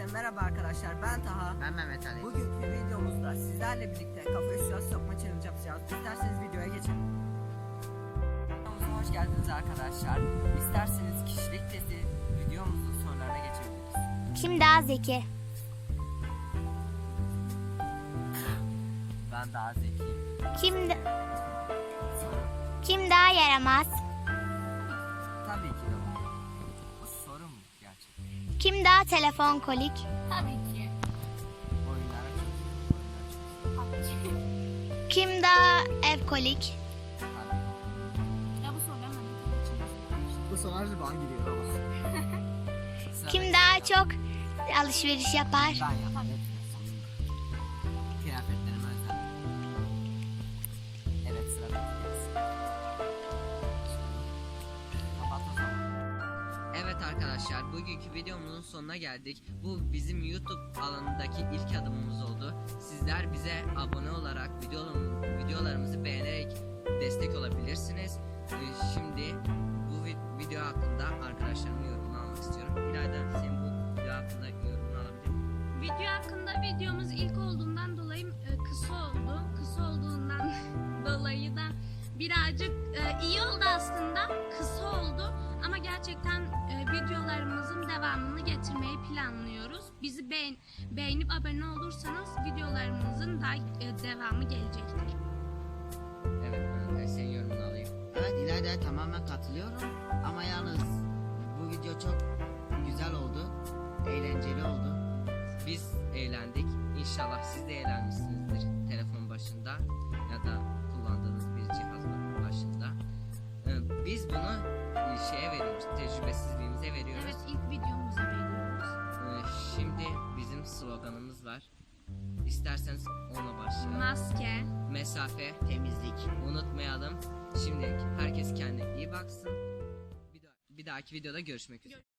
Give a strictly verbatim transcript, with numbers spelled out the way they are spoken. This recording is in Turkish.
Merhaba arkadaşlar, ben Taha. Ben Mehmet Ali. Bugünkü videomuzda sizlerle birlikte kafayı suya sokma challenge yapacağız. İsterseniz videoya geçelim. Videomuza hoş geldiniz arkadaşlar. İsterseniz kişilik testi videomuzun sorularına geçebiliriz. Kim daha zeki? Ben daha zekiyim. Kim da- Soru. kim daha yaramaz? Tabii ki de bu. Bu soru mu gerçekten? Kim daha telefon kolik? Tabii ki. Oyunlara çok oyunlara çok. Kim daha ev kolik? Tabii. Ya bu sorular bana için Bu sorular bana giriyor ama. Sıra Kim bekle. daha çok alışveriş yapar? Ben yaparım. Kıyafetlerime özel. Evet, sıra bekliyoruz. Kapat o zaman. Evet arkadaşlar, bugünkü videomuzun sonuna geldik. Bu bizim YouTube alanındaki ilk adımımız oldu. Sizler bize abone olarak videolarım, videolarımızı beğenerek destek olabilirsiniz. Ee, Şimdi bu vi- video hakkında arkadaşlarımın yorumunu almak istiyorum. İlayda, senin bu video hakkında yorumunu alabilir miyim? Video hakkında videomuz ilk olduğundan dolayı e, kısa oldu. Kısa olduğundan dolayı da birazcık e, iyi oldu aslında. Kısa oldu ama gerçekten e, videolarımızın devamını getirmeyi planlıyoruz. Bizi beğen beğenip abone olursanız videolarımızın da e, devamı gelecektir. Evet, ben senin yorumunu alayım. Evet, İlayda'ya tamamen katılıyorum. Ama yalnız bu video çok güzel oldu. Eğlenceli oldu. Biz eğlendik. İnşallah siz de eğlenmişsinizdir telefon başında ya da kullandığınız bir cihaz başında. Ee, Biz bunu e, şeye veriyoruz, tecrübesizliğimize veriyoruz. Evet, ilk videomuza veriyoruz. Ee, Şimdi bizim sloganımız var. İsterseniz ona başlayalım. Maske. Mesafe, Temizlik. unutmayalım. Şimdilik herkes kendine iyi baksın. Bir, daha- bir dahaki videoda görüşmek üzere.